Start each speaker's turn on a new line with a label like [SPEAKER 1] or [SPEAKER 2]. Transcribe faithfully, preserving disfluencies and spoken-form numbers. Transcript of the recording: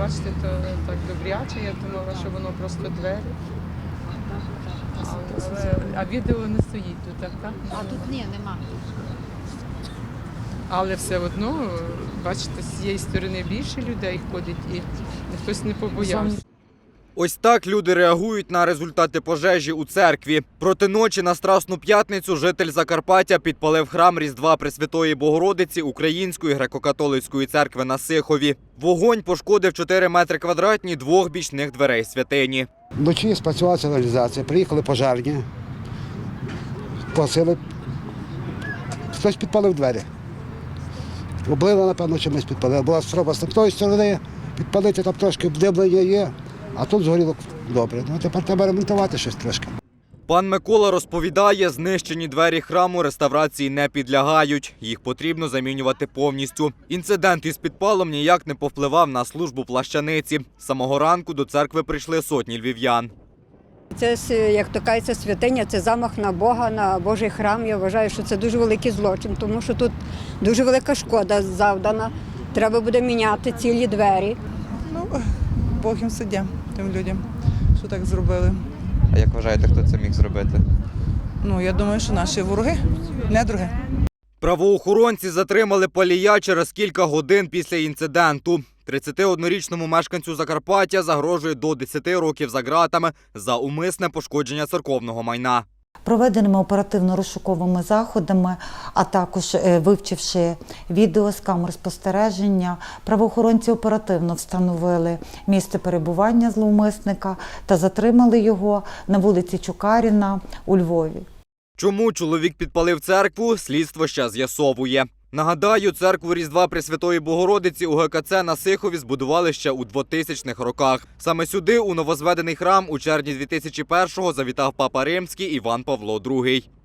[SPEAKER 1] бачите, то так добряче. Я думала, що воно просто двері. Але, а відео не стоїть тут, так? так?
[SPEAKER 2] А тут ні, нема.
[SPEAKER 1] Але все одно, бачите, з цієї сторони більше людей ходить і хтось не побоявся.
[SPEAKER 3] Ось так люди реагують на результати пожежі у церкві. Проти ночі на Страсну п'ятницю житель Закарпаття підпалив храм Різдва Пресвятої Богородиці Української греко-католицької церкви на Сихові. Вогонь пошкодив чотири метри квадратні двох бічних дверей святині.
[SPEAKER 4] Вночі спрацювала сигналізація, приїхали пожежні, погасили, хтось підпалив двері. Облили, напевно, чимось підпалили. Була спроба з тої сторони підпалити, там трошки обдимлення є, а тут згоріло добре. Ну, тепер треба ремонтувати щось трошки.
[SPEAKER 3] Пан Микола розповідає, знищені двері храму реставрації не підлягають. Їх потрібно замінювати повністю. Інцидент із підпалом ніяк не повпливав на службу плащаниці. З самого ранку до церкви прийшли сотні львів'ян.
[SPEAKER 5] Це, як то кажеться, святиня, це замах на Бога, на Божий храм. Я вважаю, що це дуже великий злочин, тому що тут дуже велика шкода завдана. Треба буде міняти цілі двері.
[SPEAKER 6] Ну, Бог їм суддя, тим людям, що так зробили.
[SPEAKER 7] А як вважаєте, хто це міг зробити?
[SPEAKER 6] Ну, я думаю, що наші вороги, недруги.
[SPEAKER 3] Правоохоронці затримали палія через кілька годин після інциденту. тридцятиоднорічному мешканцю Закарпаття загрожує до десяти років за ґратами за умисне пошкодження церковного майна.
[SPEAKER 8] Проведеними оперативно-розшуковими заходами, а також вивчивши відео з камер спостереження, правоохоронці оперативно встановили місце перебування зловмисника та затримали його на вулиці Чукаріна у Львові.
[SPEAKER 3] Чому чоловік підпалив церкву, слідство ще з'ясовує. Нагадаю, церкву Різдва Пресвятої Богородиці у ге ка це на Сихові збудували ще у двотисячних роках. Саме сюди, у новозведений храм, у червні дві тисячі першого завітав папа римський Іван Павло другий.